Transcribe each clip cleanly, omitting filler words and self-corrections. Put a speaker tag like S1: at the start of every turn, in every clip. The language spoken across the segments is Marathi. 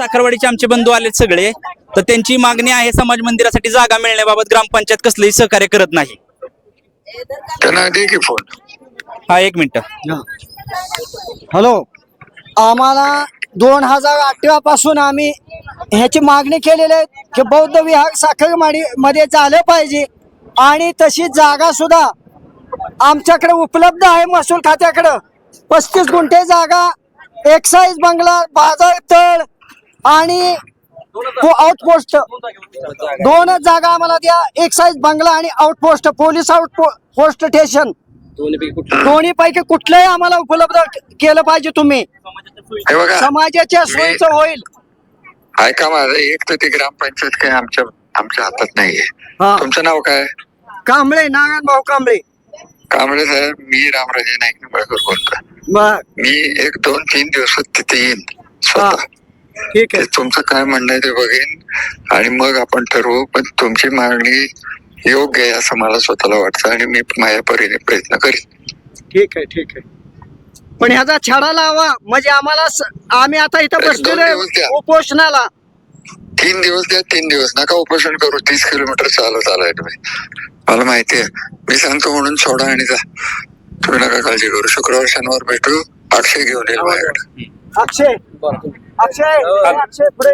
S1: साखरवाडीचे आमचे बंधू आलेत सगळे, तर त्यांची मागणी आहे समाज मंदिरासाठी जागा मिळण्याबाबत ग्रामपंचायत कसलंही सहकार्य करत नाही.
S2: त्यांना दे की फोन.
S1: हा, एक मिनिट.
S3: हॅलो, आम्हाला 2018 पासून आम्ही ह्याची मागणी केलेली आहे की बौद्ध विहार साखरवाडी मध्ये झालं पाहिजे आणि तशी जागा सुद्धा आमच्याकडे उपलब्ध आहे. महसूल खात्याकडं 35 गुंठे जागा, एक्साईज बंगला, बाजार तळ आणि आउटपोस्ट, दोनच जागा आम्हाला द्या. एक्साईज बंगला आणि आउटपोस्ट, पोलीस आउटपोस्ट स्टेशन, दोन्ही पैकी कुठलंही आम्हाला उपलब्ध केलं पाहिजे तुम्ही.
S2: हे बघा,
S3: समाजाच्या सोयीचं होईल.
S2: ऐका माझं, एक तर ते ग्रामपंचायत काय आमच्या हातात नाहीये.
S3: हा.
S2: तुमचं नाव काय?
S3: कांबळे, नारायण भाऊ कांबळे.
S2: कांबळे साहेब, मी रामराजे नाईक निंबाळकर बोलतोय. मी 1-2-3 दिवसात तिथे येईन स्वतः.
S3: ठीक आहे,
S2: तुमचं काय म्हणणं आहे ते बघेन आणि मग आपण ठरवू. पण तुमची मागणी योग्य आहे असं मला स्वतःला वाटतं आणि मी माझ्या परीने प्रयत्न करीन.
S3: ठीक आहे, ठीक आहे. पण ह्याचा छडा लावा म्हणजे आम्हाला आम्ही आता इथं
S2: एक 2
S3: बसलेलो
S2: दिवस द्या.
S3: उपोषणाला.
S2: 3 दिवस द्या, 3 दिवस नका उपोषण करू. 30 किलोमीटर चालत आलाय तुम्ही, मला माहितीये. मी सांगतो म्हणून सोडा आणि जा. तुम्ही नका काळजी करू. शुक्रवार शनिवार भेटू. अक्षय घेऊन येईल माझ्याकडे.
S3: अक्षय, अक्षय पुढे.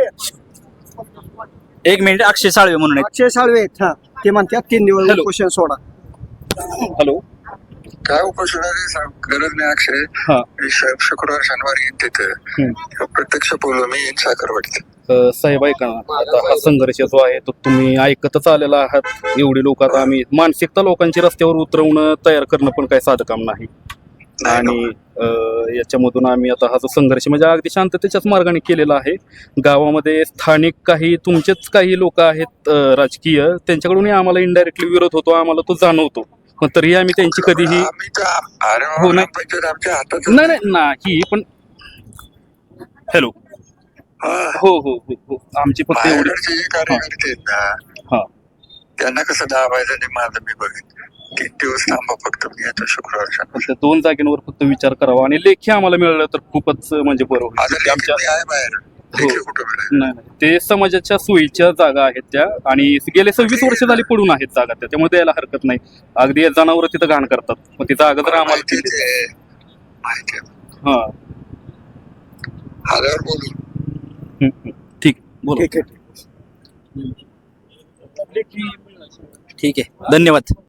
S1: एक मिनिट. अक्षय साळवे म्हणून आहेत.
S3: अक्षय साळवे आहेत. हा, ते म्हणतात 3 दिवस
S1: हॅलो.
S3: उपोषण सोडा.
S1: हॅलो.
S2: काय उपोषणाची गरज नाही अक्षय.
S1: हा.
S2: मी शुक्रवार शनिवार येईन तिथे. प्रत्यक्ष बोलू मी येईन साखरवाडीत.
S4: साहेब ऐका ना, आता हा संघर्ष जो आहे तो तुम्ही ऐकतच आलेला आहात. एवढी लोक आता आम्ही मानसिकता लोकांची रस्त्यावर उतरवणं तयार करणं पण काही साधं काम नाही. आणि याच्यामधून आम्ही आता हा जो संघर्ष म्हणजे अगदी शांततेच्याच मार्गाने केलेला आहे. गावामध्ये स्थानिक काही तुमचेच काही लोक आहेत राजकीय, त्यांच्याकडूनही आम्हाला इनडायरेक्टली विरोध होतो, आम्हाला तो जाणवतो. पण तरी आम्ही त्यांची कधीही
S2: हो नाही आमच्या हातात
S4: नाही पण हॅलो. हो हो हो हो, आमची फक्त एवढी
S2: कार्यकर्ते आहेत ना,
S4: हा,
S2: त्यांना कसं दाबायचं ते माझं मी बघेन. 3 दिवस थांबा फक्त. मी येतो शुक्रवार शनिवार.
S4: त्या 2 जागेंवर फक्त विचार करावा आणि लेखी आम्हाला मिळालं तर खूपच म्हणजे बरं होईल. आमच्या
S2: आहे बाहेर.
S4: हो. नाही नाही, ते समाजाच्या सोयीच्या जागा आहेत त्या आणि गेले 26 वर्ष झाली पडून आहेत जागा त्या, त्यामुळे द्यायला हरकत नाही. अगदी जनावर तिथं घाण करतात, मग ती जागा जर आम्हाला
S2: माहिती.
S4: हा,
S2: आल्यावर बोलू.
S4: ठीक बोला.
S3: ठीक आहे.
S1: ठीक आहे, धन्यवाद.